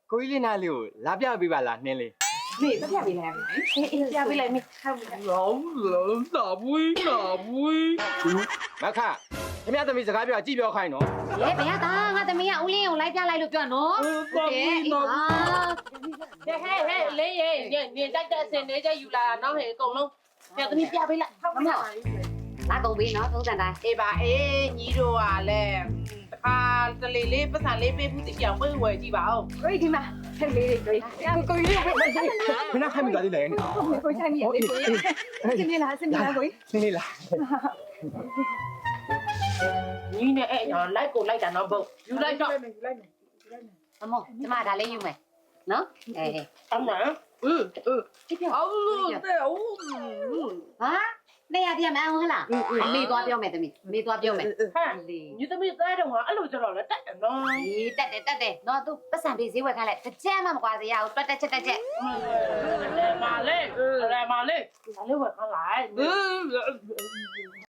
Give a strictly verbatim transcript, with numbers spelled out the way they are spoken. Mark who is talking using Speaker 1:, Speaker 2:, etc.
Speaker 1: ကိုကြီးလေးနားလေးကိုလာပြပေးပါလားနှင်းလေး
Speaker 2: နေပြပြပေးလိုက်အေးအေးပြပေးလိုက်မေဟုတ်ပြီ
Speaker 1: လောင်းလောင်းသာပွေးသာပွေးမခခင်ဗျားသမီးစကားပြောကြည့်ပြောခိုင်းနော်
Speaker 2: လေဘယ်ကငါသမီးကဦးလင်းကိုလိုက်ပြလိုက်လို့ပြောနော်ဟုတ်တယ်အေးဟာ
Speaker 3: ဟဲ့ဟဲ့ဟဲ့လေးရဲ့နေတိုက်တဲ့အစင်နေချက်ယူလာတာနောက်ဟဲ့အကုန်လုံးပြသမီးပြပေးလိုက်ဟုတ်ပြီ
Speaker 2: လာကုန်ပြီနော်သုံးစံတိုင်း
Speaker 3: အေးပါအေးညီတို့ကလည်းတခါတလေလေးပတ်စံလေးပေးမှုတိပြောင်ပေးဝယ်ကြည့်ပါဦး
Speaker 2: ကိုကြီးဒီမှာဟဲ့လေးလေးကိုကြီးကိုကြီးလေးပဲ
Speaker 1: ခဏခိုင်းမိသွားသေးတယ်
Speaker 2: ကိုကြီးဆိုင်မိလေးကိုကြီးစင်နေလားစင်နေလားကိုကြီး
Speaker 1: နှင်းလေးလား
Speaker 3: ညီနဲ့အဲ့တော့လိုက်ကိုလိုက်တာနော်ဘုတ်ယူလိုက်တော့
Speaker 2: အမေကျမဒါလေးယူမယ်နော်အေး
Speaker 3: အမှန်อืออือ
Speaker 2: ဒီပြော
Speaker 3: အော်လို့တဲ့ဦး
Speaker 2: ဟာနေရပြန်မအောင်ဟလားအမေသွားပြောမယ်သမီးအမေသွားပြောမယ်
Speaker 3: ဟဲ့ညီသမီးသားတော့ကအဲ့လိုကြတော့လည်းတက်တယ်နော်
Speaker 2: အေးတက်တယ်တက်တယ်နော်သူပတ်စံပေးဈေးဝယ်ခိုင်းလိုက်တစ်ချက်မှမကွာစေရဘူးတွက်တက်ချက်တက်ချက်
Speaker 3: လေမာလေးလေမာလေးဒါလေးဝယ်ခါလိုက်